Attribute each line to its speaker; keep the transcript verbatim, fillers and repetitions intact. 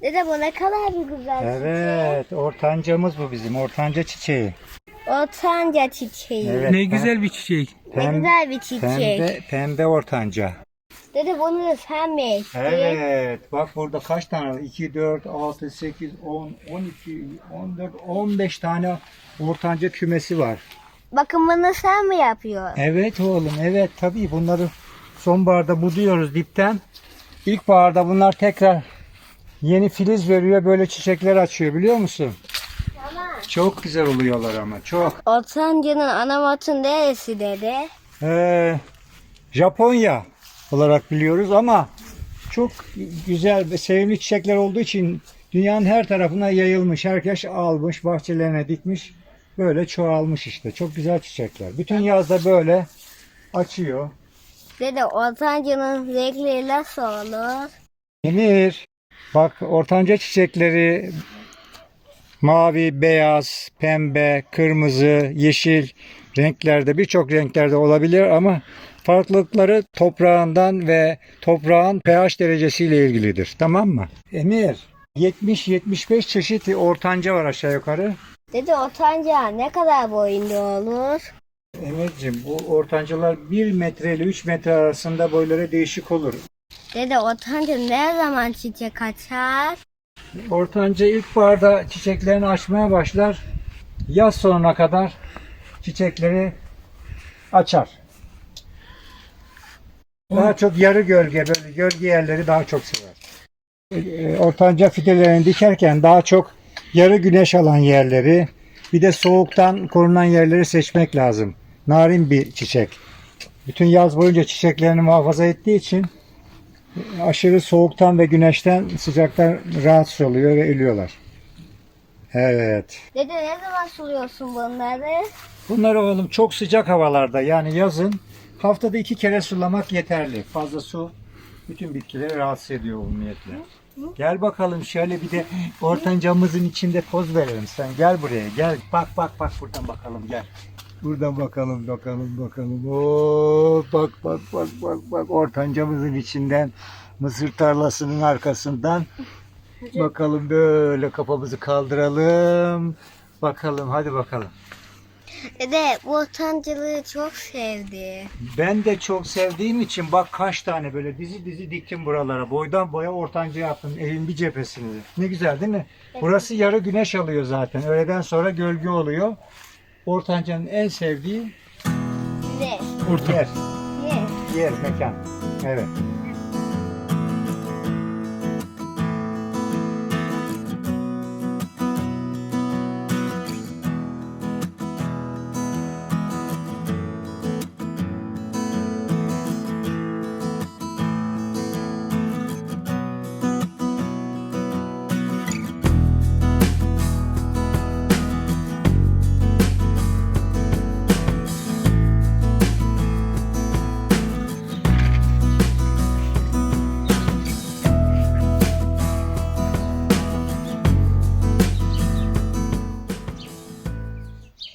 Speaker 1: Dede bu ne kadar bir güzel
Speaker 2: Evet, ortancamız bu bizim. Ortanca çiçeği.
Speaker 1: çiçek. Ortanca çiçeği.
Speaker 2: Evet,
Speaker 3: Ne
Speaker 2: pem-
Speaker 3: güzel bir çiçek.
Speaker 1: Ne
Speaker 2: pem-
Speaker 1: güzel bir çiçek.
Speaker 2: Pembe, pembe ortanca.
Speaker 1: Dede bunu da sen mi ektin?
Speaker 2: Evet, bak burada kaç tane var? iki, dört, altı, sekiz, on, on iki, on dört, on beş tane ortanca kümesi var.
Speaker 1: Bakın bunu sen mi yapıyorsun?
Speaker 2: Evet oğlum, evet tabii bunları sonbaharda buduyoruz dipten. İlkbaharda bunlar tekrar yeni filiz veriyor, böyle çiçekler açıyor biliyor musun?
Speaker 1: Tamam.
Speaker 2: Çok güzel oluyorlar ama çok.
Speaker 1: Ortanca'nın ana matı neresi dede?
Speaker 2: Ee, Japonya olarak biliyoruz ama çok güzel ve sevimli çiçekler olduğu için dünyanın her tarafına yayılmış. Herkes almış, bahçelerine dikmiş. Böyle çoğalmış işte. Çok güzel çiçekler. Bütün yazda böyle açıyor.
Speaker 1: Dede ortanca'nın renkleri nasıl olur?
Speaker 2: Emir, bak ortanca çiçekleri mavi, beyaz, pembe, kırmızı, yeşil renklerde, birçok renklerde olabilir ama farklılıkları toprağından ve toprağın pH derecesiyle ilgilidir. Tamam mı? Emir, yetmiş yetmiş beş çeşit ortanca var aşağı yukarı.
Speaker 1: Dede ortanca ne kadar boyunda olur?
Speaker 2: Emir'cim bu ortancalar bir metre ile üç metre arasında boyları değişik olur.
Speaker 1: Dede ortanca ne zaman çiçek açar?
Speaker 2: Ortanca ilkbaharda çiçeklerini açmaya başlar. Yaz sonuna kadar çiçekleri açar. Daha çok yarı gölge, böyle gölge yerleri daha çok sever. Ee, Ortanca fidelerini dikerken daha çok yarı güneş alan yerleri, bir de soğuktan korunan yerleri seçmek lazım. Narin bir çiçek. Bütün yaz boyunca çiçeklerini muhafaza ettiği için aşırı soğuktan ve güneşten, sıcaktan rahatsız oluyor ve ölüyorlar. Evet.
Speaker 1: Dede ne zaman suluyorsun bunları?
Speaker 2: Bunları oğlum çok sıcak havalarda, yani yazın haftada iki kere sulamak yeterli. Fazla su bütün bitkileri rahatsız ediyor umumiyetle. Gel bakalım şöyle bir de ortancamızın içinde poz verelim. Sen gel buraya gel. Bak bak bak buradan bakalım gel. Buradan bakalım bakalım bakalım. Oo, bak bak bak bak bak ortancamızın içinden, mısır tarlasının arkasından bakalım, böyle kafamızı kaldıralım. Bakalım hadi bakalım.
Speaker 1: Dede bu ortancılığı çok sevdi.
Speaker 2: Ben de çok sevdiğim için bak kaç tane böyle dizi dizi diktim buralara. Boydan boya ortanca yaptım evin bir cephesini. Ne güzel değil mi? Burası yarı güneş alıyor zaten. Öğleden sonra gölge oluyor. Ortancanın en sevdiği
Speaker 1: Ne?
Speaker 3: Orta.
Speaker 2: yer.
Speaker 1: Ne?
Speaker 2: Yer, mekan. Evet.